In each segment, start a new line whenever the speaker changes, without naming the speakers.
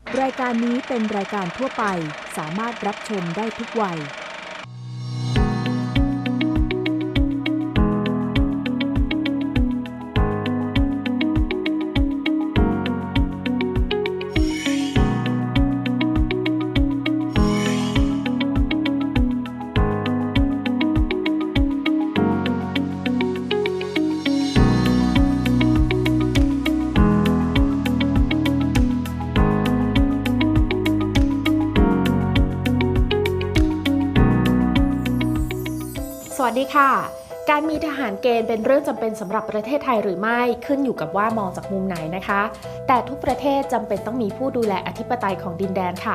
รายการนี้เป็นรายการทั่วไปสามารถรับชมได้ทุกวัย
สวัสดีค่ะ การมีทหารเกณฑ์เป็นเรื่องจำเป็นสำหรับประเทศไทยหรือไม่ขึ้นอยู่กับว่ามองจากมุมไหนนะคะ แต่ทุกประเทศจำเป็นต้องมีผู้ดูแลอธิปไตยของดินแดนค่ะ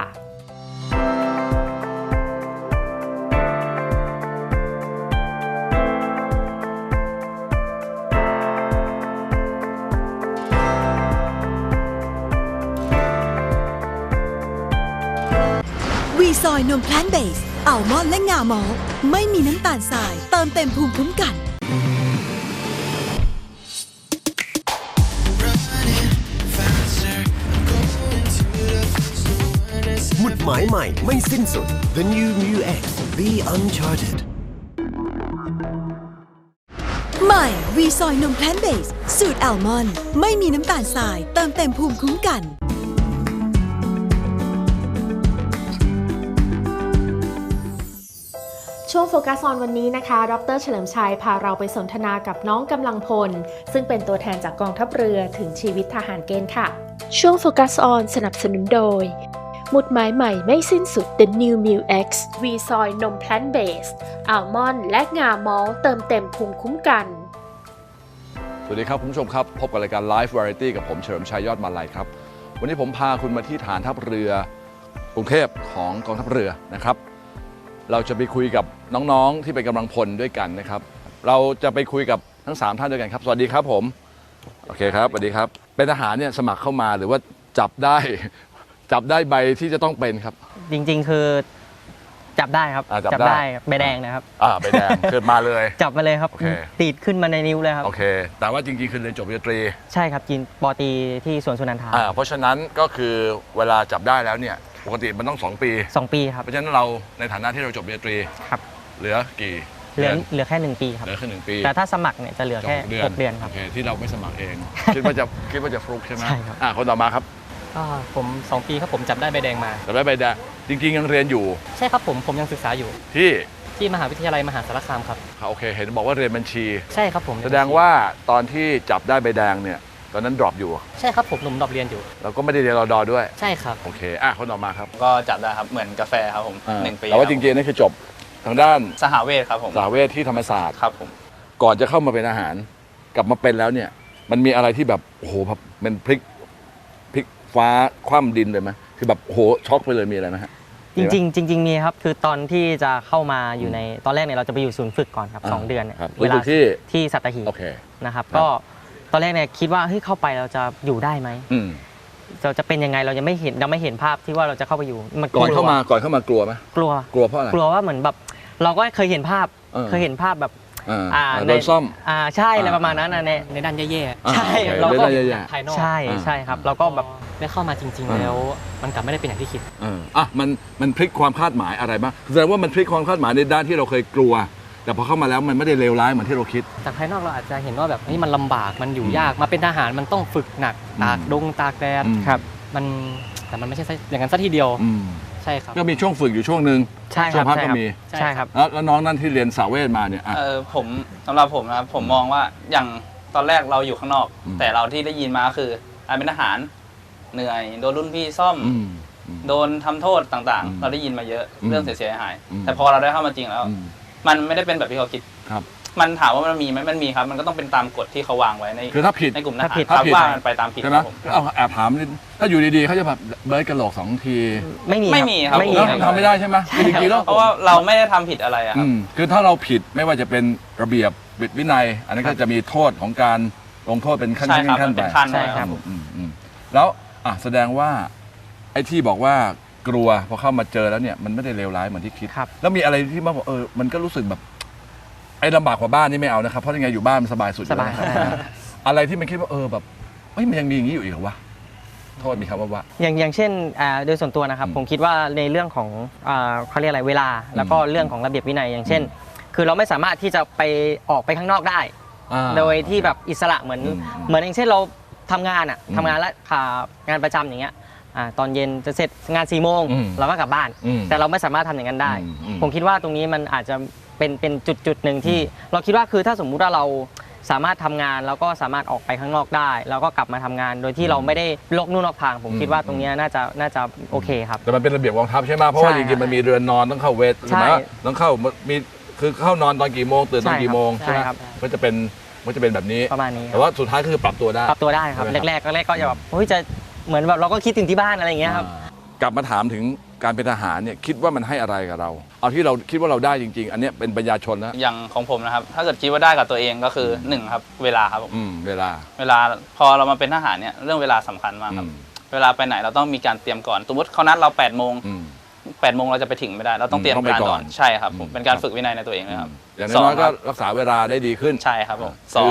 วีซอยนมแพลนเบสอัลมอนด์และงาหมอลต์ไม่มีน้ำตาลทรายเติมเต็มภูมิคุ้มกัน
หมุดหมายใหม่ไม่สิ้นสุด The New Mu X Be Uncharted
ใหม่วีซอยนมแพลนเบสสูตรอัลมอนด์ไม่มีน้ำตาลทรายเติมเต็มภูมิคุ้มกัน
ช่วงโฟกัสออนวันนี้นะคะดร.เฉลิมชัยพาเราไปสนทนากับน้องกำลังพลซึ่งเป็นตัวแทนจากกองทัพเรือถึงชีวิตทหารเกณฑ์ค่ะ
ช่วงโฟกัสออนสนับสนุนโดยหมุดหมายใหม่ไม่สิ้นสุด The New Mu X วีซอยนมแพลนเบสอัลมอนด์และงาหมอลต์เติมเต็มภูมิคุ้มกัน
สวัสดีครับคุณผู้ชมครับพบกับรายการ Live Variety กับผมเฉลิมชัยยอดมาลัยครับวันนี้ผมพาคุณมาที่ฐานทัพเรือกรุงเทพของกองทัพเรือนะครับเราจะไปคุยกับน้องๆที่เป็นกำลังพลด้วยกันนะครับเราจะไปคุยกับทั้ง3ท่านด้วยกันครับสวัสดีครับผมโอเคครับสวัสดีครับเป็นทหารเนี่ยสมัครเข้ามาหรือว่าจับได้ใบที่จะต้องเป็นครับ
จริงๆคือจับได้ครับ
จับได้
ใบแดงนะครับ
ใบแดงเกิดมาเลย
จับมาเลยครับ
โอเค
ติดขึ้นมาในนิ้วเลยครับ
โอเคแต่ว่าจริงๆคือเรียนจบปริญญาตรี
ใช่ครับกินปอตรีที่สวนสุนันทา
เพราะฉะนั้นก็คือเวลาจับได้แล้วเนี่ยปกติมันต้อง2 ปี
2 ปีครับ
เพราะฉะนั้นเราในฐานะที่เราจบปริญญาตรี
ครับ
เหลือกี่
เหลือแค่1 ปีครับ
เหลือแค่1 ปี
แต่ถ้าสมัครเนี่ยจะเหลือแค่6 เดือนครับ
โอเคที่เราไม่สมัครเอง คิดว่าจะฟลุกใช่ไหม
ใช่ครับ
คนต่อมาครับ
ผม2 ปีครับผมจับได้ใบแดงมา
จับได้ใบแดงจริงๆยังเรียนอยู่
ใช่ครับผมยังศึกษาอยู่
ที่
มหาวิทยาลัยมหาสารคามครับ
โอเคเห็นบอกว่าเรียนบัญชี
ใช่ครับผม
แสดงว่าตอนที่จับได้ใบแดงเนี่ยตอนนั้นดรอปอยู่
ใช่ครับผมหนุ่มดรอปเรียนอยู่
เราก็ไม่ได้เรียนรอดอด้วย
ใช่ครับ
โอเคคนต่อมาครับ
ก็จับได้ครับเหมือนกาแฟครับผม1 ปี
แต่ว่าจริงๆนี่คือจบทางด้าน
สหเวชครับผม
สหเวชที่ธรรมศาสตร์
ครับผม
ก่อนจะเข้ามาเป็นอาหารกลับมาเป็นแล้วเนี่ยมันมีอะไรที่แบบโอ้โหแบบมันพลิกฟ้าคว่ำดินเลยไหมคือแบบโหช็อกไปเลยมีอะไรไหมฮะ
จริงมีครับคือตอนที่จะเข้ามาอยู่ในตอนแรกเนี่ยเราจะไปอยู่ศูนย์ฝึกก่อนครับ2 เดือนเนี่ย
เวลา
ที่สัตหีบ
โอเค
นะครับก็ตอนแรกเนี่ยคิดว่าเฮ้ยเข้าไปเราจะอยู่ได้ไหมเราจะเป็นยังไงเรายังไม่เห็นภาพที่ว่าเราจะเข้าไปอยู่
มันก่อนเข้ามากลัวไหม
กลัว
เพราะอะไร
กลัวว่าเหมือนแบบเราก็เคยเห็นภาพแบบ
โดนซ่อม
ใช่อะไรประมาณนั้น
ในด้านแย่
ๆใช่
เราก็
ภายนอก
ใช่ครับเราก็แบบ
ได้เข้ามาจริงๆแล้วมันกลับไม่ได้เป็นอย่างที่คิด
มันพลิกความคาดหมายอะไรบ้างแสดงว่ามันพลิกความคาดหมายในด้านที่เราเคยกลัวแต่พอเข้ามาแล้วมันไม่ได้เลวร้ายเหมือนที่เราคิด
จากภายนอกเราอาจจะเห็นว่าแบบนี่มันลำบากมันอยู่ยากมาเป็นทหารมันต้องฝึกหนักตากตากแดด
ครับ
แต่มันไม่ใช่อย่างนั้นซะทีเดียวใช่ครับ
ก็มีช่วงฝึกอยู่ช่วงนึงช่วงพักก็มี
ใช่ครับ
แล้วน้องนั่นที่เรียนสาวเวทมาเนี่ย
ผมสำหรับผมนะผมมองว่าอย่างตอนแรกเราอยู่ข้างนอกแต่เราที่ได้ยินมาคือเป็นทหารเหนื่อยโดนรุ่นพี่ซ่อมโดนทำโทษต่างๆเราได้ยินมาเยอะเรื่องเสียหายแต่พอเราได้เข้ามาจริงแล้วมันไม่ได้เป็นแบบที่เขาคิดมันถามว่ามันมีไหมมันมีครับมันก็ต้องเป็นตามกฎที่เขาวางไว้ใน
คือถ้าผิด
ในกลุ่มทหารครับว่ามันไปตามผิด
ใช่ไหมแอบถามถ้าอยู่ดีๆเขาจะแบบเบิร์ดกระโหลก2 ที
ไม่มีครับ
ทำไม่ได้ใช่ไหมจริงๆแล้ว
เพราะว่าเราไม่ได้ทำผิดอะไรครับ
คือถ้าเราผิดไม่ว่าจะเป็นระเบียบวินัยอันนั้นก็จะมีโทษของการลงโทษเป็นขั้นไป
ใช่ครับ
แล้วแสดงว่าไอ้ที่บอกว่ากลัวพอเข้ามาเจอแล้วเนี่ยมันไม่ได้เลวร้ายเหมือนที่คิดแล้วมีอะไรที่มาบอกมันก็รู้สึกแบบไอ้ลำบากกว่าบ้านนี่ไม่เอานะครับเพราะยังไงอยู่บ้านมันสบายสุด
สบาย
อะไรที่มันคิดว่าแบบมันยังมีอย่างนี้อยู่อีกเหรอวะโทษมีคำว่า
อย่างเช่นโดยส่วนตัวนะครับผมคิดว่าในเรื่องของเขาเรียกอะไรเวลาแล้วก็เรื่องของระเบียบวินัยอย่างเช่น คือเราไม่สามารถที่จะไปออกไปข้างนอกได้โดยที่แบบอิสระเหมือนอย่างเช่นเราทำงานทำงานและงานประจำอย่างเงี้ยตอนเย็นจะเสร็จงาน4 โมงเราก็กลับบ้านแต่เราไม่สามารถทำอย่างนั้นได้ผมคิดว่าตรงนี้มันอาจจะเป็นจุดหนึ่งที่เราคิดว่าคือถ้าสมมุติว่าเราสามารถทำงานแล้วก็สามารถออกไปข้างนอกได้แล้วก็กลับมาทำงานโดยที่เราไม่ได้ลกนู่นนอกทางผมคิดว่าตรงนี้น่าจะโอเคครับ
แต่มันเป็นระเบียบกองทัพใช่ไหมเพราะว่าจริงๆมันมีเรือนนอนต้องเข้าเวทใช่ไหมต้องเข้ามีคือเข้านอนตอนกี่โมงตื่นตอนกี่โมงใช่ไหมก็จะเป็นแบบนี้
ประมาณนี้
แต่ว่าสุดท้ายก็คือปรับตัวได้
ครับแรกก็จะแบบจะเหมือนแบบเราก็คิดถึงที่บ้านอะไรอย่างเงี้ยครับ
กลับมาถามถึงการเป็นทหารเนี่ยคิดว่ามันให้อะไรกับเราเอาที่เราคิดว่าเราได้จริงๆอันนี้เป็นปัญญาชนแล้ว
อย่างของผมนะครับถ้าเกิดคิดว่าได้กับตัวเองก็คือ1ครับเวลาครับ
เวลา
พอเรามาเป็นทหารเนี่ยเรื่องเวลาสำคัญมากครับเวลาไปไหนเราต้องมีการเตรียมก่อนสมมติเขานัดเรา8 โมงเราจะไปถึงไม่ได้เราต้องเตรียมการก่อนใช่ครับผมเป็นการฝึกวินัยในตัวเองนะครับ
อย่างน้อยก็รักษาเวลาได้ดีขึ้น
ใช่ครับผม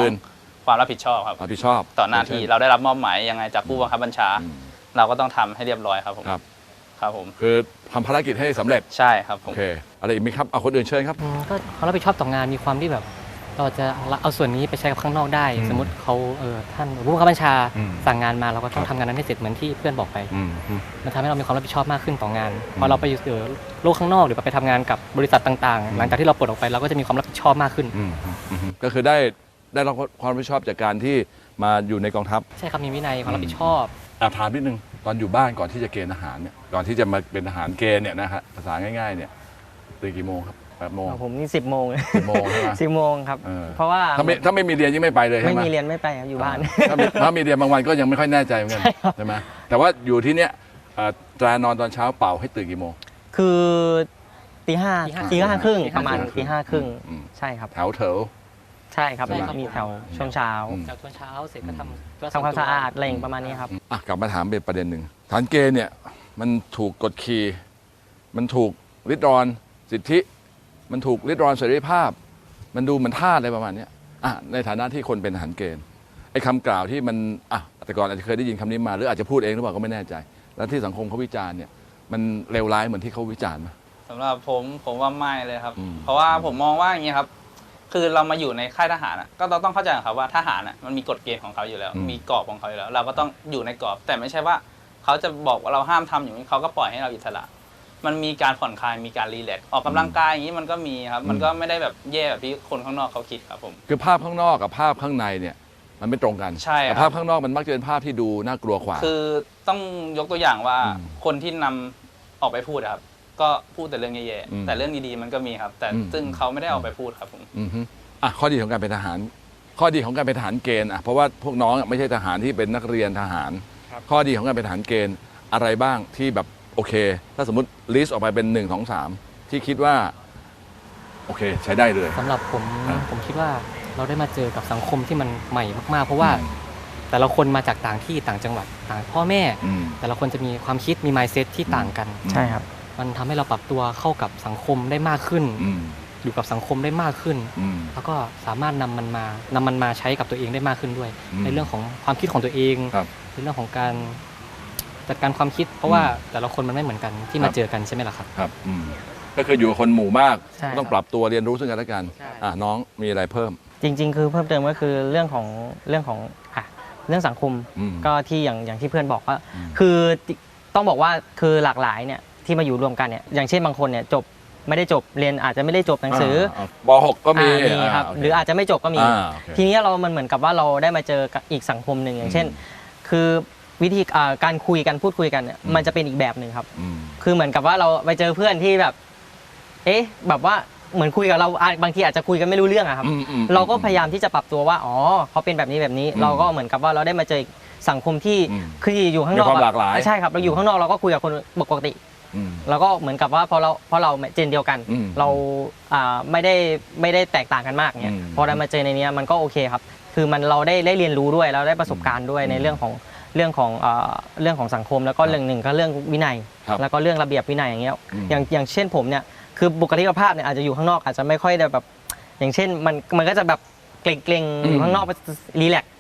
2ความรับผิดชอบครับต่อหน้าที่เราได้รับมอบหมายยังไงจากผู้บังคับบัญชาเราก็ต้องทำให้เรียบร้อยครับผม
คือทำภารกิจให้สำเร็จ
ใช่ครับผม
โอเคอะไรอีกไหมครับเอาคนอื่นเชิญครับ
ก็เขารับผิดชอบต่องานมีความที่แบบเราจะเอาส่วนนี้ไปใช้กับข้างนอกได้สมมติเขาท่านผู้บังคับบัญชาสั่งงานมาเราก็ต้องทำงานนั้นให้เสร็จเหมือนที่เพื่อนบอกไปมันทำให้เรามีความรับผิดชอบมากขึ้นต่องานพอเราไปอยู่โลกข้างนอกหรือไปทำงานกับบริษัทต่างๆหลังจากที่เราปลดออกไปเราก็จะมีความรับผิดชอบมากขึ้น
ก็คือได้รับความรับผิดชอบจากการที่มาอยู่ในกองทัพ
ใช่ครับมีวินัยความรับผิดชอบ
ถามนิดนึงตอนอยู่บ้านก่อนที่จะเกณฑ์ทหารเนี่ยก่อนที่จะมาเป็นทหารเกณฑ์เนี่ยนะฮะภาษาง่ายๆเนี่ยตื่นกี่โมงครับ8 โมง
ผมนี่10 โมง
10 โมงใช่ไหม
10 โมงครับเพราะว่า
ถ้าไม่มีเรียนยังไม่ไปเลยใช่ไหม
ไม่มีเรียนไม่ไปครับอยู่บ้าน
ถ้ามีเรียนบางวันก็ยังไม่ค่อยแน่ใจเหมือนกันใช่ไหมแต่ว่าอยู่ที่เนี้ยตรานอนตอนเช้าเป่าให้ตื่นกี่โมง
คือตีห้าครึ่งประมาณตี 5 ครึ่งใช่ครับ
แถว
ใช่ครับมีแถวช่วงเช้า
เสร็จก็ทำ
ความสะอาดอะไรประมาณนี้ครับ
กลับมาถามเป็นประเด็นหนึ่งทหารเกณฑ์เนี่ยมันถูกกดขี่มันถูกริดรอนสิทธิมันถูกริดรอนเสรีภาพมันดูเหมือนทาสอะไรประมาณนี้ในฐานะที่คนเป็นทหารเกณฑ์ไอ้คำกล่าวที่มันแต่ก่อนอาจจะเคยได้ยินคำนี้มาหรืออาจจะพูดเองหรือเปล่าก็ไม่แน่ใจแล้วที่สังคมเขาวิจารณ์เนี่ยมันเลวร้ายเหมือนที่เขาวิจารณ์ไหม
สำหรับผมว่าไม่เลยครับเพราะว่าผมมองว่าอย่างนี้ครับคือเรามาอยู่ในค่ายทหารก็ต้องเข้าใจครับว่าทหารมันมีกฎเกณฑ์ของเขาอยู่แล้วมีกรอบของเขาอยู่แล้วเราก็ต้องอยู่ในกรอบแต่ไม่ใช่ว่าเขาจะบอกว่าเราห้ามทำอย่างนี้เขาก็ปล่อยให้เราอิสระมันมีการผ่อนคลายมีการรีแลกซ์ออกกำลังกายอย่างนี้มันก็มีครับมันก็ไม่ได้แบบแย่แบบที่คนข้างนอกเขาคิดครับผม
คือภาพข้างนอกกับภาพข้างในเนี่ยมันไม่ตรงกัน
ใช่
ภาพข้างนอกมันมักจะเป็นภาพที่ดูน่ากลัวกว่า
คือต้องยกตัวอย่างว่าคนที่นำออกไปพูดครับก็พูดแต่เรื่องแย่ๆแต่เรื่องดีๆมันก็มีครับแต่ซึ่งเขาไม่ได้ออกไปพูดครับผม
ข้อดีของการเป็นทหารข้อดีของการเป็นทหารเกณฑ์เพราะว่าพวกน้องไม่ใช่ทหารที่เป็นนักเรียนทหารข้อดีของการเป็นทหารเกณฑ์อะไรบ้างที่แบบโอเคถ้าสมมติลิสต์ออกไปเป็น1 2 3ที่คิดว่าโอเคใช้ได้เลย
สำหรับผมคิดว่าเราได้มาเจอกับสังคมที่มันใหม่มากๆเพราะว่าแต่ละคนมาจากต่างที่ต่างจังหวัดต่างพ่อแม่แต่ละคนจะมีความคิดมี mindset ที่ต่างกัน
ใช่ครับ
มันทำให้เราปรับตัวเข้ากับสังคมได้มากขึ้นอยู่กับสังคมได้มากขึ้นแล้วก็สามารถนำมันมาใช้กับตัวเองได้มากขึ้นด้วยในเรื่องของความคิดของตัวเองในเรื่องของการจัดการความคิดเพราะว่าแต่ละคนมันไม่เหมือนกันที่มาเจอกันใช่ไหมล่ะครับ
ครับก็คืออยู่กับคนหมู่มากต้องปรับตัวเรียนรู้ซึ่งกันและกันน้องมีอะไรเพิ่ม
จริงๆคือเพิ่มเติมก็คือเรื่องสังคมก็ที่อย่างที่เพื่อนบอกว่าคือต้องบอกว่าคือหลากหลายเนี่ยที่มาอยู่รวมกันเนี่ยอย่างเช่นบางคนเนี่ยไม่ได้จบเรียนอาจจะไม่ได้จบหนังสือ
ป.6 ก็มี
ครับหรืออาจจะไม่จบก็มีทีนี้มันเหมือนกับว่าเราได้มาเจออีกสังคมหนึ่งอย่างเช่นคือวิธีการคุยกันพูดคุยกันเนี่ยมันจะเป็นอีกแบบหนึ่งครับคือเหมือนกับว่าเราไปเจอเพื่อนที่แบบแบบว่าเหมือนคุยกับเราบางทีอาจจะคุยกันไม่รู้เรื่องอะครับเราก็พยายามที่จะปรับตัวว่าเขาเป็นแบบนี้เราก็เหมือนกับว่าเราได้มาเจอสังคมที่คืออยู่ข้างนอก
ใ
ช่ครับเราอยู่ข้างนอกเราก็คุยกับคนปกติเราก็เหมือนกับว่าเพราะเราเจนเดียวกันเราไม่ได้แตกต่างกันมากเนี่ยพอได้มาเจอในนี้มันก็โอเคครับคือเราได้เรียนรู้ด้วยเราได้ประสบการณ์ด้วยในเรื่องของสังคมแล้วก็เรื่องหนึ่งก็เรื่องวินัยแล้วก็เรื่องระเบียบวินัยอย่างเงี้ยอย่างเช่นผมเนี่ยคือบุคลิกภาพเนี่ยอาจจะอยู่ข้างนอกอาจจะไม่ค่อยได้แบบอย่างเช่นมันก็จะแบบเกรงๆอยู่ข้างนอกรีแลกซ์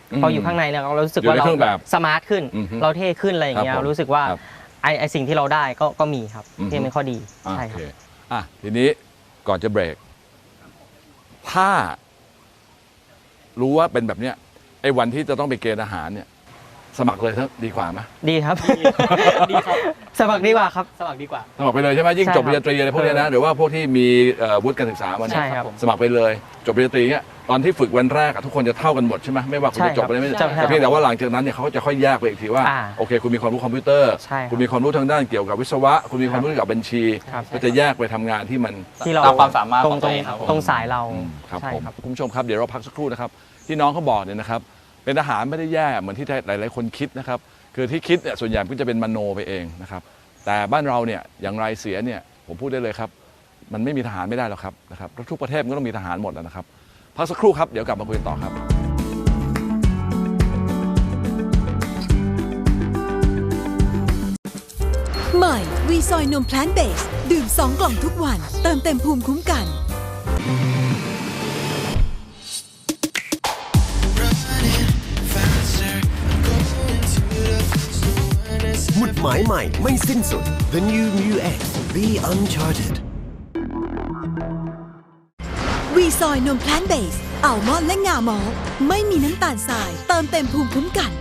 พออยู่ข้างในเนี่ยเรารู้สึก
อยู่
ว่า
ใน
เรา
เครื่องแบบ
สมาร์ทขึ้น
อือฮึ
เราเท่ขึ้นอะไรอย่างเงี้ย
ครับผม
รู้สึกว่า
ครับ
ไอสิ่งที่เราได้ก็มีครับ
อือฮึ
ที่เป็นข้อดีใช่
โอ
ครั
เค
บ
ทีนี้ก่อนจะเบรก ถ้ารู้ว่าเป็นแบบเนี้ยไอ้วันที่จะต้องไปเกณฑ์อาหารเนี่ย สมัครเลยครับดีกว่าไหม
ดีครับ
ดีครับ
สมัครดีกว่าครับ
สมัครดีกว่า
สมัครไปเลยใช่ไหมยิ่ง
ใช่
จบปริญญาตรีอะไรพวกเนี้ยนะหรือว่าพวกที่มีวุฒิการศึกษามาเนี่
ใช่
ย
ครับ
สมัครไปเลยจบปริญญาตรีเนี่ยตอนที่ฝึกวันแรกอะทุกคนจะเท่ากันหมดใช่ไหมไม่ว่าคุณ
ใช่
จะจบอะไรไม่
ใช่ครับ
แต่เพียงแต่ว่าหลังจากนั้นเนี่ยเขาจะค่อยแยกไปอีกทีว่า โอเค คุณมีความรู้คอมพิวเตอร์
ใช่ครับ
คุณมีความรู้ทางด้านเกี่ยวกับวิศวะ คุณมีความรู้เกี่ยวกับบัญชี
ครับ
ก็จะแยกไปทำงานที่มัน
ที่เรา
ตามความสามารถ
ตร
ของ
ง
ตัวเองครับผม
ตรงสายเรา
ครับ
ใช่
ผม
ครับ
คุณผู้ชมครับเดี๋ยวเราพักสักครู่นะครับที่น้องเขาบอกเนี่ยนะครับเป็นทหารไม่ได้แย่เหมือนที่หลายๆคนคิดนะครับคือที่คิดเนี่ยส่วนใหญ่ก็จะเป็นมโนไปเองนะครับแต่บ้านเราเนี่ยอย่างไรเสียเนี่ยผมพูดได้เลยครับมันไม่มีทหารไม่ได้หรอกครับนะครับทุกประเทศมันก็ต้องมีทหารหมดแล้วนะครับพักสักครู่ครับเดี๋ยวกลับมาคุยกันต่อครับ
ใหม่วีซอยนมแพลนเบสดื่ม2 กล่องทุกวัน เติมเต็มภูมิคุ้มกัน
หมุดหมายใหม่ไม่สิ้นสุด The New Mu X Be Uncharted
วีซอยนมแพลนเบสอัลมอนด์และงาหมอลต์ไม่มีน้ำตาลทราย เติมเต็มภูมิคุ้มกัน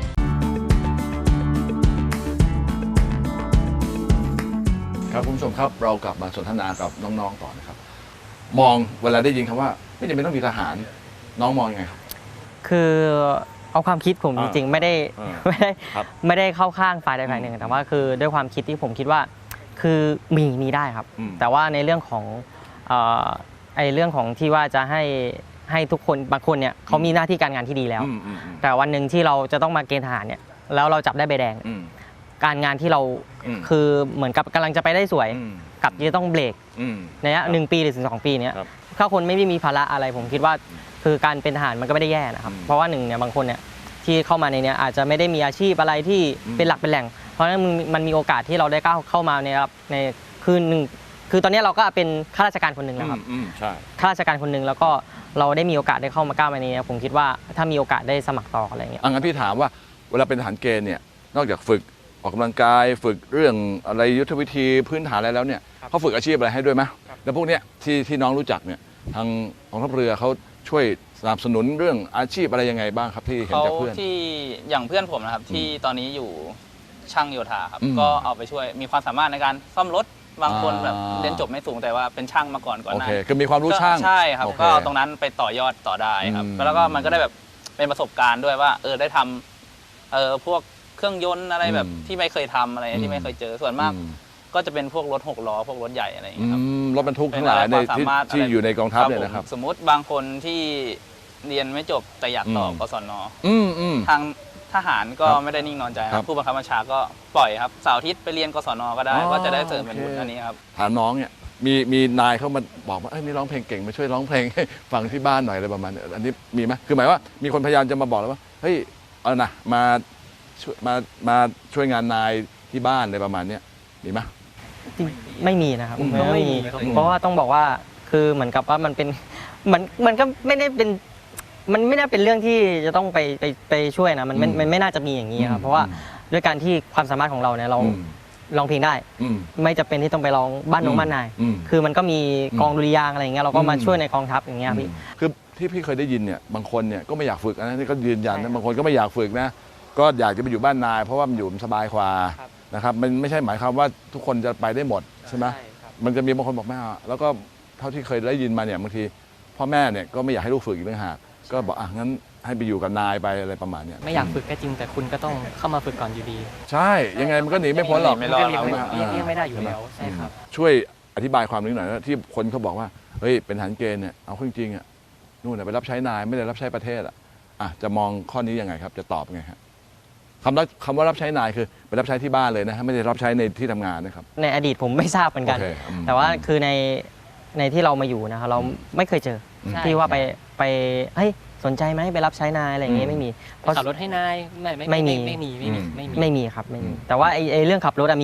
ครับคุณผู้ชมครับเรากลับมาสนทนากับน้องๆต่อนะครับมองเวลาได้ยินคำว่าไม่จำเป็นต้องมีทหารน้องมองยังไงครับ
คือเอาความคิดผมจริงๆไม่ได้
ครับ
ไม่ได้เข้าข้างฝ่ายใดฝ่ายหนึ่งแต่ว่าคือด้วยความคิดที่ผมคิดว่าคือมีได้ครับ แต่ว่าในเรื่องของเรื่องของที่ว่าจะให้ทุกคนบางคนเนี่ยเขามีหน้าที่การงานที่ดีแล้ว แต่วันหนึ่งที่เราจะต้องมาเกณฑ์ทหารเนี่ยแล้วเราจับได้ใบแดง การงานที่เราคือเหมือนกับกำลังจะไปได้สวยกับที่จะต้องเบรกในระยะ1 ปีหรือถึง2 ปีเนี้ยถ้าคนไม่ได้มีภาระอะไรผมคิดว่าคือการเป็นทหารมันก็ไม่ได้แย่นะครับเพราะว่าหนึ่งเนี่ยบางคนเนี่ยที่เข้ามาในเนี้ยอาจจะไม่ได้มีอาชีพอะไรที่เป็นหลักเป็นแหล่งเพราะฉะนั้นมันมีโอกาสที่เราได้ก้าวเข้ามาในคือตอนนี้เราก็เป็นข้าราชการคนหนึ่งแล้วครับ
ใช่
ข้าราชการคนหนึ่งแล้วก็เราได้มีโอกาสได้เข้ามาก้าวมาในนี้ผมคิดว่าถ้ามีโอกาสได้สมัครต่ออะไรอย่างเงี้ย
งั้นพี่ถามว่าเวลาเป็นทหารเกณฑ์เนี่ยนอกจากฝึกออกกำลังกายฝึกเรื่องอะไรยุทธวิธีพื้นฐานอะไรแล้วเนี่ยเขาฝึกอาชีพอะไรให้ด้วยไหมแล้วพวกเนี้ยที่น้องรู้จักเนี่ยทางกองทัพเรือเขาช่วยสนับสนุนเรื่องอาชีพอะไรยังไงบ้างครับที่เห็น
เขา
จากเพื่อน
ที่อย่างเพื่อนผมนะครับที่ตอนนี้อยู่ช่างโยธาครับ
อืม
ก็เอาไปช่วยมีความสามารถในการซ่อมรถบางคน
อ่า
แบบเรียนจบไม่สูงแต่ว่าเป็นช่างมาก่อน
โอ
หน้า
เคคือมีความรู้ช่าง
ใช่ครับ
โอเค
ก็เอาตรงนั้นไปต่อยอดต่อได้ครับ
อืม
แล้วก็มันก็ได้แบบเป็นประสบการณ์ด้วยว่าได้ทำพวกเครื่องยนต์อะไรแบบที่ไม่เคยทำอะไรที่ไม่เคยเจอส่วนมาก ก็จะเป็นพวกรถ6 ล้อพวกรถใหญ่อะไรอย่างเงี้ยครับ
รถบรรทุกทั้งหลายใน
เป็นอะไรความสามารถ
ที่
อะไร
อยู่ในกองทัพเนี่ยนะครับ
ผมสมมุติบางคนที่เรียนไม่จบแต่อยากต่อกศน ทางทหารก็
ครับ
ไม่ได้นิ่งนอนใจค
ครั
รั
บบ
ผู้บังคับบัญชาก็ปล่อยครับเสาร์อาทิตย์ไปเรียนกศนก็ได้
อ๋อ
ก็จะได้เสริมเป็น
โอเค
วุฒิอันนี้ครับ
ถามน้องเนี่ยมีนายเขามาบอกว่านี่ร้องเพลงเก่งมาช่วยร้องเพลงให้ฟังที่บ้านหน่อยอะไรประมาณนี้อันนี้มีไหมคือหมายว่ามีคนพยายามจะมาบอกแล้วว่าเฮ้ยเอานะมาช่วยงานนายที่บ้านอะไรประมาณเนี้ยมีไหม
ไม่มีนะครับ
ไม่มีครับ
เพราะว่าต้องบอกว่าคือเหมือนกับว่ามันเป็นมันก็ไม่ได้เป็นมันไม่ได้เป็นเรื่องที่จะต้องไปช่วยนะมันไม่น่าจะมีอย่างนี้ครับเพราะว่าด้วยการที่ความสามารถของเราเนี่ยเราร้องเพลงได้ ไม่จำเป็นที่ต้องไปร้องบ้านน้องบ้านนายคือมันก็มีกองดุริยางค์อะไรอย่างเงี้ยเราก็มาช่วยในกองทัพอย่างเงี้ยพี่
คือที่พี่เคยได้ยินเนี่ยบางคนเนี่ยก็ไม่อยากฝึกนะนี่ก็ยืนยันนะบางคนก็ไม่อยากฝึกนะก็อยากจะไปอยู่บ้านนายเพราะว่ามันอยู่สบายกว่านะครับมันไม่ใช่หมายความว่าทุกคนจะไปได้หมดใช่ไหมมันจะมีบางคนบอกไม่เอาแล้วก็เท่าที่เคยได้ยินมาเนี่ยบางทีพ่อแม่เนี่ยก็ไม่อยากให้ลูกฝึกอีกต่างหากก็บอกงั้นให้ไปอยู่กับนายไปอะไรประมาณเนี้ย
ไม่อยากฝึกก็จริงแต่คุณก็ต้องเข้ามาฝึกก่อนอยู่ดี
ใช่ยังไงมันก็หนีไม่พ้นหรอก
ไม่รอด
เรียกไม่ได้อยู่แล้วใช่ครับ
ช่วยอธิบายความนี้หน่อยนะที่คนเขาบอกว่าเฮ้ยเป็นทหารเกณฑ์เนี่ยเอาเข้าจริงๆอ่ะนู่นนะไปรับใช้นายไม่ได้รับใช้ประเทศอ่ะจะมองข้อนี้ยังไงครับจะตอบไงครับคำว่ารับใช้นายคือไปรับใช้ที่บ้านเลยนะไม่ได้รับใช้ในที่ทำงานนะครับ
ในอดีตผมไม่ทราบเหมือนกัน
โอเค
แต่ว่าคือในที่เรามาอยู่นะครับเราไม่เคยเจอ
ใช่
ที่ว่าไปเฮ้ยสนใจไหมไปรับใช้นายอะไรอย่างเงี้ยไม่มีเพราะ
ขับรถให้นายไม่มี
ไม่มีครับไม่มีแต่ว่าไอ้เรื่องขับรถมี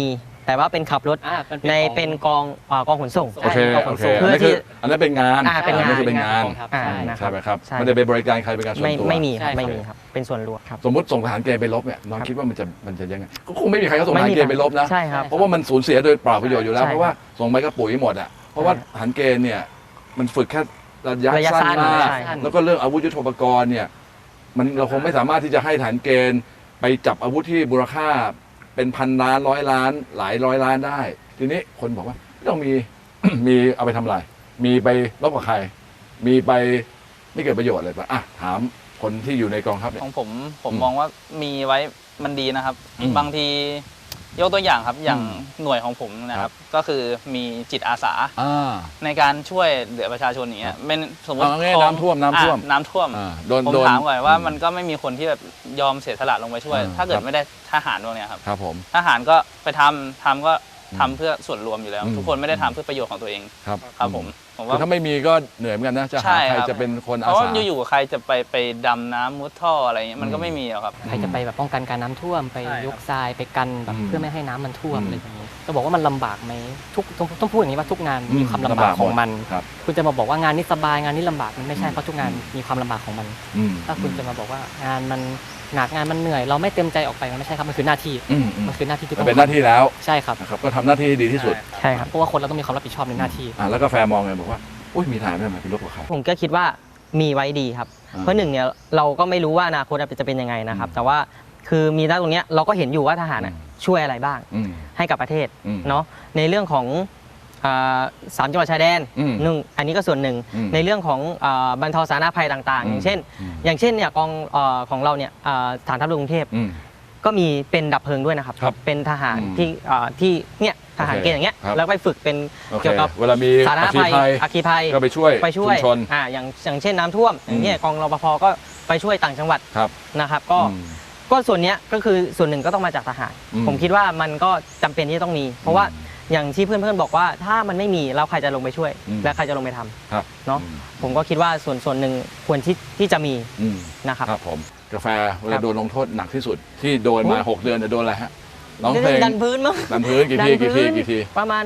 แต่ว่าเป็นขับรถในเป็นกองขนส่ง
โอเค
กองข
โอน เค
ส่ง
อันนี้คืออันนั้นเป็นงาน
เป็นงาน
อัคือเป็นงาน
นะครับ
ใช่ไหมครับ
ใช่
ไม่ได้ไปบริการใครเป็นการส่วนตัว
ไม่มีครับไม่มีครับเป็นส่วนรวมครับ
สมมติส่งทหารเกณฑ์ไปรบเนี่ยน้องคิดว่ามันจะยังไงก็คงไม่มีใครเขาส่งทหารเกณฑ์ไปรบนะ
ใช่ครับ
เพราะว่ามันสูญเสียโดยเปล่าประโยชน์อยู่แล้ว
ใช่
เพราะว่าส่งไปก็ปุ๋ยหมดอ่ะเพราะว่าทหารเกณฑ์เนี่ยมันฝึกแค่ระยะ
ระยะ
สั้น
สั้น
มาก
ใช่
แล้วก็เรื่องอาวุธยุทโธปกรณ์เนี่ยมันเราคงไม่สามารถที่จะให้ทหารเกณฑ์ไปจับอาวุธที่มูลค่าเป็นพันล้านร้อยล้านหลายร้อยล้านได้ ทีนี้คนบอกว่าต้องมี มีเอาไปทำอะไร มีไปรบกับใคร มีไปไม่เกิดประโยชน์อะไรปะอ่ะถามคนที่อยู่ในกองทัพเนี่ย
ของผมมองว่ามีไว้มันดีนะครับ
อืม
บางทียกตัวอย่างครับอย่างหน่วยของผมนะครับก็คือมีจิตอาสาในการช่วยเหลือประชาชนอย่างเงี้ยเป็นสมมติ
เอาง่ายๆ
คลอง
น้ำท่วม
น้ำท่วม
โดน
ผม
โดน
ถามก่อนว่ามันก็ไม่มีคนที่แบบยอมเสียสละลงไปช่วย ถ้าเกิ
ค
ด
รับ
ไม่ได้ทหารพวกเนี้ยครับ
ครับผม
ทหารก็ไปทำก็ทำเพื่อส่วนรวมอยู่แล้ว
อืม
ทุกคนไม่ได้ทำเพื่อประโยชน์ของตัวเอง
ครับ
ครับผม
คือ
ว่า
ถ้าไม่มีก็เหนื่อยเหมือนกันนะจะหา
ใช่
ใคร
ครับ
จะเป็นคน
เพ
อา
ราะว่า
สา
อยู่ๆใครจะไปดำน้ำมุดท่ออะไรเงี้ยมันก็ไม่มีหรอกครับ
ใครจะไปแบบป้องกันการน้ำท่วมไป
ใช่ครับ
ยกทรายไปกันแบบ
อืม
เพื่อไม่ให้น้ำมันท่วม
อืม
อะไรอย่างนี้จะบอกว่ามันลำบากไหมต้องพูดอย่างนี้ว่าทุกงานมีความลำ
ลำ
บา
บาก ก
ของมัน
ครับ
คุณจะมาบอกว่างานนี้สบายงานนี้ลำบากมันไม่ใช่เพราะทุกงานมีความลำบากของมัน
อืม
ถ้าคุณจะมาบอกว่างานมันหนักงานมันเหนื่อย เราไม่เต็มใจออกไปมันไม่ใช่ครับมันคือหน้าที่
อืม
มันคือหน้าที่ที่
มั
ต้
น
อง
เป็นหน้าที่แล้ว
ใช่ครับ
นะครับก็ทำหน้าที่ให้ดีที่สุด
ใช่ครับ
เพราะว่าคนเราต้องมีความรับผิดชอบในหน้าที่
แล้วก็แฟร์มองไงบอกว่าอุ้ยมีทหารไม่มาเป็นรบกับใคร
ผมก็คิดว่ามีไว้ดีครับ
อ่า
เพราะหนึ่งเนี่ยเราก็ไม่รู้ว่าอนาคตจะเป็นยังไงนะครับ แต่ว่าคือมีณตรงเนี้ยเราก็เห็นอยู่ว่าทหารน่ะช่วยอะไรบ้าง
อืม
ให้กับประเทศ
อืม
เนาะในเรื่องของสามจังหวัดชายแดน
อืม
หนึ่งอันนี้ก็ส่วนหนึ่ง
อืม
ในเรื่องของบรรเทาสาธารณภัยต่างๆ
อืม
อย่างเช่น
อืม
อย่างเช่นเนี่ยกองของเราเนี่ยฐานทัพเรือกรุงเทพ
อืม
ก็มีเป็นดับเพลิงด้วยนะครับ
ครับ
เป็นทหาร
อืม
ที่เนี่ยทหารเกณฑ์อย่างเงี้ย
ครับ
แล้วไปฝึกเป็น
โอเค
เกี่ยวกับ
เวลามี
สาธารณ
อัคคี
ภัย
ภัย
อัคคีภัย
ก็ไปช่วย
ชุ
ชุมชน
อย่างเช่นน้ำท่วมอย่างเงี้ยกองรปภก็ไปช่วยต่างจังหวัด
ครับ
นะครับ
อืม
ก็ส่วนเนี้ยก็คือส่วนหนึ่งก็ต้องมาจากทหาร
อืม
ผมคิดว่ามันก็จำเป็นที่จะต้องมี เพราะว่าอย่างที่เพื่อนๆบอกว่าถ้ามันไม่มีแล้วใครจะลงไปช่วย
อืม
และใครจะลงไปทำ
ครับ
เนาะผมก็คิดว่าส่วนหนึ่งควรที่จะมี
อืม
นะครับ
ครับผมกาแฟเว
ครั
ลา
บ
โดนลงโทษหนักที่สุดที่โดนมา 6 เดือนเนี่ยโดนอะไรฮะร้องเพลง
ดันพื้นมั้ง
ดันพื้นกี่ทีกี่ทีกี่ที
ประมาณ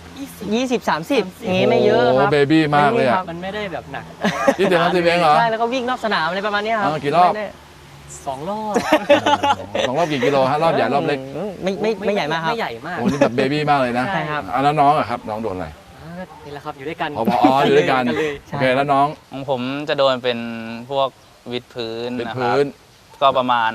20-30อย่างงี้ไม่เยอะครับ
โเบบี้มากเลยอ่ะ
มันไม่ได้แบบหนัก
ที่เดียว30เองเหรอ
ใช่แล้วก็วิ่งนอกสนามอะไรประมาณเนี้ยครับ
กี่รอบ
ไม่ได้
2 รอบ
สองรอบกี่กิโลฮะรอบใหญ่รอบเล็ก
ไม่ใหญ่มากครับ
ไม่ใหญ่มาก
โอ้นี่แบบเบบี้มากเลยนะ
ใช่ครับ
แล้วน้องอะครับน้องโดนอะไร
นี่แหละครับอยู่ด้วยกัน
อ๋ออยู่ด้วยกัน
เลย
โอเคแล้วน้อง
ของผมจะโดนเป็นพวกวิดพื้น
เป็น
นะค
พื้
รับ
น
ก็ประมาณ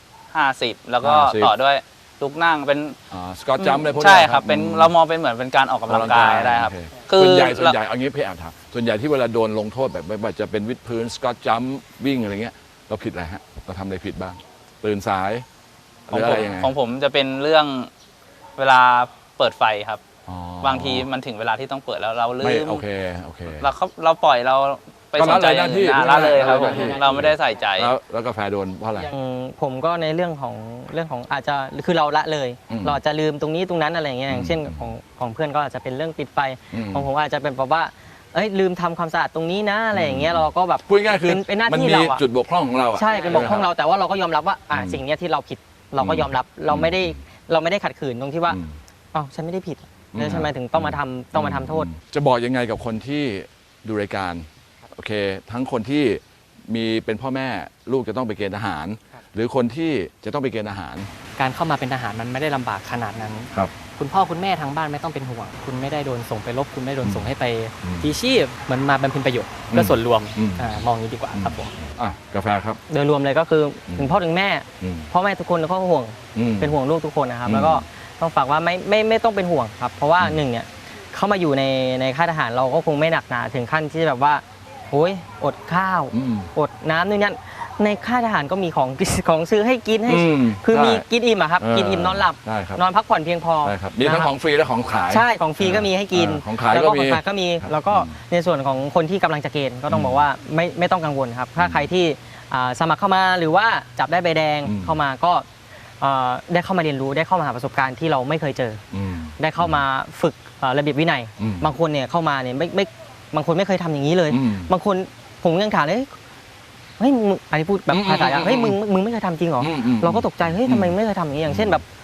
50 แล้วก็
50
ต่อด้วยลุกนั่งเป็น
สกอตจัมป์เลยพวกนี้
ใช่ครับเป็นเรามองเป็นเหมือนเป็นการออกกำลังกายได้ครับ
โอเ
คือ
ส่วนใหญ่เอางี้พี่แอบถามส่วนใหญ่ที่เวลาโดนลงโทษแบบไม่ว่าจะเป็นวิดพื้นสกอตจัมป์วิ่งอะไรเงี้ยเราผิดอะไรฮะเราทำอะไรผิดบ้างตื่นสายห
ของ
รืออะ
ผ
ไร
ม
ยังไง
ของผมจะเป็นเรื่องเวลาเปิดไฟครับ
อ๋อบ
างทีมันถึงเวลาที่ต้องเปิดแล้วเราลื
ไม่
ม
โอเคโอเค
เราปล่อยเราไป
ก็
ส
ละ
นใจ
เลยหน้าที่
ละเลยครับ
ละเลยหน้าที่
เราไม่ได้ใส่ใจ
แล้วกาแฟโดนเพราะอะไร
ผมก็ในเรื่องของอาจจะคือเราละเลย
อืม
เราอาจจะลืมตรงนี้ตรงนั้นอะไรอย่างเงี้ยอย่างเช่นของเพื่อนก็อาจจะเป็นเรื่องปิดไฟ
อืม
ของผมอาจจะเป็นแบบว่าเอ้ยลืมทำความสะอาดตรงนี้นะอะไรอย่างเงี้ยเราก็แบบ
พูดง่ายๆคือ
เป็นหน้า
มัน
ที่
มี
เราอะ
จุดบกพร่องของเราอะ
ใช่เป็นบกพร่องเราแต่ว่าเราก็ยอมรับว่าสิ่งเนี้ยที่เราผิดเราก็ยอมรับเราไม่ได้ขัดขืนตรงที่ว่า
อืม
อ้าวฉันไม่ได้ผิดแล้วทำไมถึงต้องมาทำโทษ
จะบอกยังไงกับคนที่ดูรายการโอเค ทั้งคนที่มีเป็นพ่อแม่ลูกจะต้องไปเกณฑ์ทหาร หรือคนที่จะต้องไปเกณฑ์ทหาร
การเข้ามาเป็นทหารมันไม่ได้ลำบากขนาดนั้น
ครับ
คุณพ่อคุณแม่ทางบ้านไม่ต้องเป็นห่วง คุณไม่ได้โดนส่งไปรบคุณไม่ได้โดนส่งให้ไป
อืม
ทีชีพเหมือนมาบำเพ็ญประโยชน์เพื่อส่วนรวม
อืม
มองอย่างนี้ดีกว่าครับผม
กาแฟครับ
โดยรวมเลยก็คือถึงพ่อถึงแม่
อืม
พ่อแม่ทุกคนก็ห่วง
อืม
เป็นห่วงลูกทุกคนนะครับ
อืม
แล้วก็ต้องฝากว่าไม่ต้องเป็นห่วงครับ เพราะว่าหนึ่งเนี่ยเข้ามาอยู่ในค่ายทหารเราก็คงไม่หนักหนาถึงขั้นที่แบบว่าโอ้ยอดข้าว
อืม
อดน้ำนู่นนั่นในค่ายทหารก็มีของ ของซื้อให้กินให้
อืม
คือมี
ใช่
กินอิ่มอะครับ กินอิ่มนอนหลับ
ได้ครับ
นอนพักผ่อนเพียงพอ
ได้ครับมีทั้ง
นะ
ของฟรีและของขาย
ใช่ของฟรีก็มีให้กิน
ของขาย
แล้ว
ก็
ก็
มี
ของขายก็มี
ครับ
แล้วก็ในส่วนของคนที่กำลังจะเกณฑ์ก็ต้องบอกว่าไม่ต้องกังวลครับถ้าใครที่สมัครเข้ามาหรือว่าจับได้ใบแดงเข้ามาก็ได้เข้ามาเรียนรู้ได้เข้ามาหาประสบการณ์ที่เราไม่เคยเจอ
ม
ได้เข้ามาฝึกระเบียบวินัย
อืม
บางคนเนี่ยเข้ามาเนี่ยไม่บางคนไม่เคยทำอย่างนี้เลย
อืม
บางคนผมยังถามเลยเฮ้ยมึงอันนี้พูดแบบภาษาเฮ้ยมึงไม่เคยทำจริงเหรอ
อืมอืม
เราก็ตกใจเฮ้ยทำไมไม่เคยทำอย่างนี้อย่างเช่นแบบ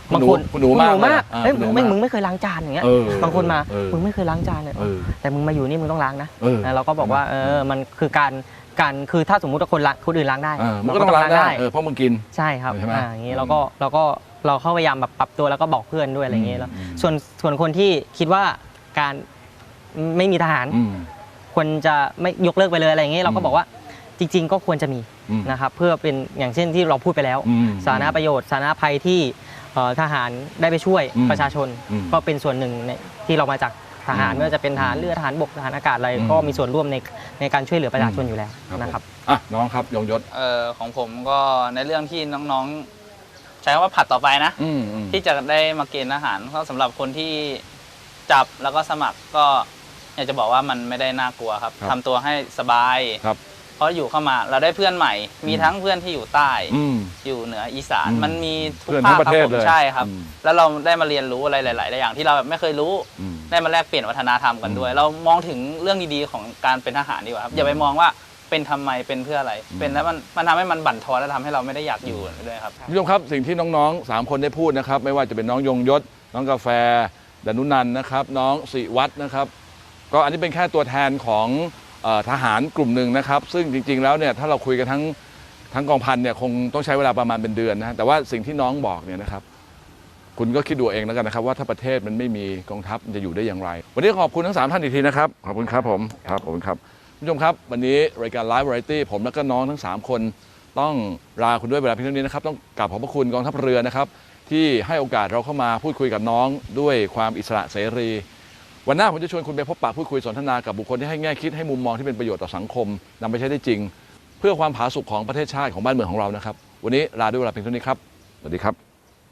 บางคน
คุณหนูมาก
เฮ้ยมึงไม่เคยล้างจานอย่างเงี้ยบางคนมามึงไม่เคยล้างจานเลยแต่มึงมาอยู่นี่มึงต้องล้างนะเราก็บอกว่ามันคือการคือถ้าสมมุติว่าคนอื่นล้างได้
มันก็ต้องล้างได้เพราะมึงกิน
ใช่ครับอย่างนี้เราเข้าพยายามแบบปรับตัวแล้วก็บอกเพื่อนด้วยอะไรอย่างเงี้ยแล้วส่วนคนที่คิดว่าการไม่มีทหารควรจะไม่ยกเลิกไปเลยอะไรอย่างเงี้ยเราก็บอกว่าจริงๆก็ควรจะมีนะครับเพื่อเป็นอย่างเช่นที่เราพูดไปแล้วสาธารณประโยชน์สาธารณภัยที่ทหารได้ไปช่วยประชาชนก็เป็นส่วนหนึ่งที่เรามาจากทหารไม่ว่าจะเป็นทหารเรือทหารบกทหารอากาศอะไรก็มีส่วนร่วมในการช่วยเหลือประชาชนอยู่แล้วนะครับ
น้องครับยงยศ
ของผมก็ในเรื่องที่น้องๆใช้คำว่าผัดต่อไปนะที่จะได้มาเกณฑ์ทหารก็สำหรับคนที่จับแล้วก็สมัครก็อยากจะบอกว่ามันไม่ได้น่ากลัวครับทำตัวให้สบายเพราะอยู่เข้ามาเราได้เพื่อนใหม่มีทั้งเพื่อนที่อยู่ใต้อยู่เหนืออีสานมันมีทุกภาคครับผมใช่ครับแล้วเราได้มาเรียนรู้อะไรหลายๆอย่างที่เราแบบไม่เคยรู้ได้มาแลกเปลี่ยนวัฒนธรรมกันด้วยเรามองถึงเรื่องดีๆของการเป็นทหารดีกว่าครับอย่าไปมองว่าเป็นทำไมเป็นเพื่ออะไรเป็นแล้วมันทำให้มันบั่นทอนและทำให้เราไม่ได้อยากอยู่ด้วยครับ
ผู้ชมครับสิ่งที่น้องๆ3คนได้พูดนะครับไม่ว่าจะเป็นน้องยงยศน้องกาแฟดนุนันท์นะครับน้องศิวัฒน์นะครับก็อันนี้เป็นแค่ตัวแทนของทหารกลุ่มหนึ่งนะครับซึ่งจริงๆแล้วเนี่ยถ้าเราคุยกันทั้งกองพันเนี่ยคงต้องใช้เวลาประมาณเป็นเดือนนะแต่ว่าสิ่งที่น้องบอกเนี่ยนะครับคุณก็คิดดูเองแล้วกันนะครับว่าถ้าประเทศมันไม่มีกองทัพมันจะอยู่ได้อย่างไรวันนี้ขอบคุณทั้ง3ท่านอีกทีนะครับขอบคุณครับผมครับขอบคุณครับผู้ชมครับวันนี้รายการ Live Variety ผมและก็น้องทั้ง3คนต้องลาคุณด้วยเวลาเพียงเท่านี้นะครับต้องกราบขอบพระคุณกองทัพเรือนะครับที่ให้โอกาสเราเข้ามาพูดคุยกับน้องด้วยความอิสระเสรีวันหน้าผมจะชวนคุณไปพบปะพูดคุยสนทนากับบุคคลที่ให้แง่คิดให้มุมมองที่เป็นประโยชน์ต่อสังคมนำไปใช้ได้จริงเพื่อความผาสุกของประเทศชาติของบ้านเมืองของเรานะครับวันนี้ลาด้วยเวลาเพียงเท่านี้ครับสวัสดีครับ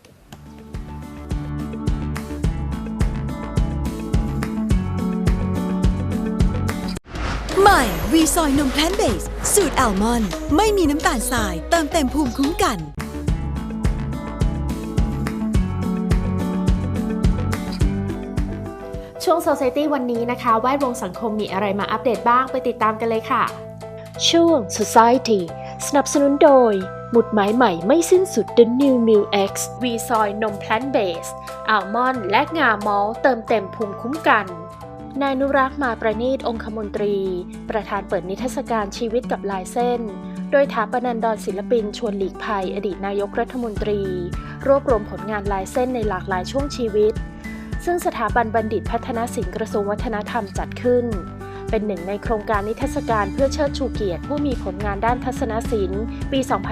ใหม่วีซอยนมแพลนเบสสูตรแอลมอนด์ไม่มีน้ำตาลทรายเติมเต็มภูมิคุ้มกัน
ช่วง Society วันนี้นะคะแวดวงสังคมมีอะไรมาอัปเดตบ้างไปติดตามกันเลยค่ะ
ช่วง Society สนับสนุนโดยหมุดหมายใหม่ไม่สิ้นสุด The New Milk X วีซอยนมแพลนเบสอัลมอนด์และงามอลต์เติมเต็มภูมิคุ้มกันนายนุรักษ์มาประณีตองคมนตรีประธานเปิดนิทรรศการชีวิตกับลายเส้นโดยถาปนันดรศิลปินชวนหลีกภัยอดีตนายกรัฐมนตรีรวบรวมผลงานลายเส้นในหลากหลายช่วงชีวิตซึ่งสถาบันบัณฑิตพัฒนศิลป์กระทรวงวัฒนธรรมจัดขึ้นเป็นหนึ่งในโครงการนิทรรศการเพื่อเชิดชูเกียรติผู้มีผลงานด้านทัศนศิลป์ปี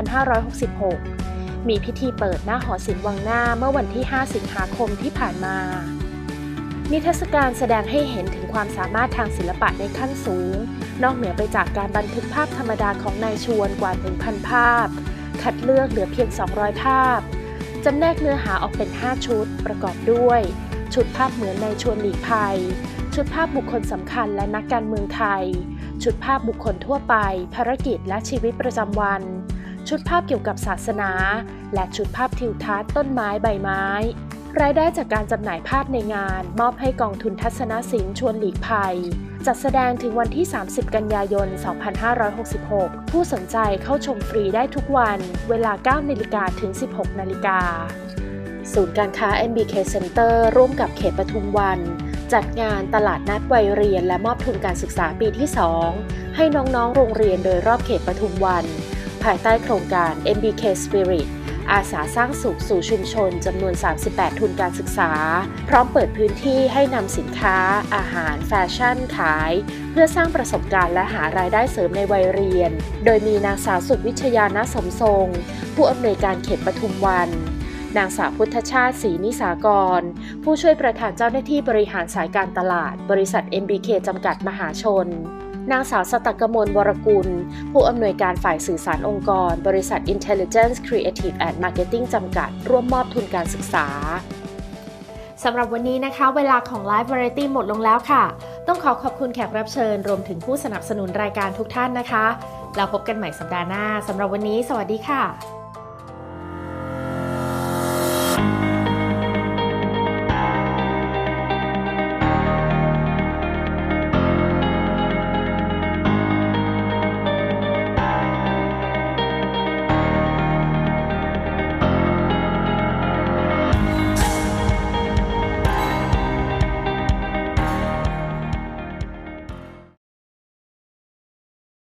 2566 มีพิธีเปิดหน้าหอศิลป์วังหน้าเมื่อวันที่ 5 สิงหาคมที่ผ่านมานิทรรศการแสดงให้เห็นถึงความสามารถทางศิลปะในขั้นสูงนอกเหนือไปจากการบันทึกภาพธรรมดาของนายชวนกว่า 1,000 ภาพคัดเลือกเหลือเพียง 200 ภาพจำแนกเนื้อหาออกเป็น 5 ชุดประกอบด้วยชุดภาพเหมือนนายชวนหลีกภัยชุดภาพบุคคลสำคัญและนักการเมืองไทยชุดภาพบุคคลทั่วไปภารกิจและชีวิตประจำวันชุดภาพเกี่ยวกับศาสนาและชุดภาพทิวทัศน์ต้นไม้ใบไม้รายได้จากการจำหน่ายภาพในงานมอบให้กองทุนทัศนศิลป์ชวนหลีกภัยจัดแสดงถึงวันที่ 30 กันยายน 2566 ผู้สนใจเข้าชมฟรีได้ทุกวันเวลา 9 นาฬิกาถึง 16 นาฬิกาศูนย์การค้า MBK Center ร่วมกับเขตปทุมวันจัดงานตลาดนัดวัยเรียนและมอบทุนการศึกษาปีที่ 2 ให้น้องๆโรงเรียนโดยรอบเขตปทุมวันภายใต้โครงการ MBK Spirit อาสาสร้างสุขสู่ชุมชนจำนวน 38 ทุนการศึกษาพร้อมเปิดพื้นที่ให้นำสินค้าอาหารแฟชั่นขายเพื่อสร้างประสบการณ์และหารายได้เสริมในวัยเรียนโดยมีนางสาวสุวิชยาณสมทรงผู้อำนวยการเขตปทุมวันนางสาวพุทธชาติศรีนิสากรผู้ช่วยประธานเจ้าหน้าที่บริหารสายการตลาดบริษัท MBK จำกัดมหาชนนางสาวสตักกมลวรกุลผู้อำนวยการฝ่ายสื่อสารองค์กรบริษัท Intelligence Creative and Marketing จำกัดร่วมมอบทุนการศึกษาสำหรับวันนี้นะคะเวลาของ Live Variety หมดลงแล้วค่ะต้องขอบคุณแขกรับเชิญรวมถึงผู้สนับสนุนรายการทุกท่านนะคะแล้วพบกันใหม่สัปดาห์หน้าสำหรับวันนี้สวัสดีค่ะ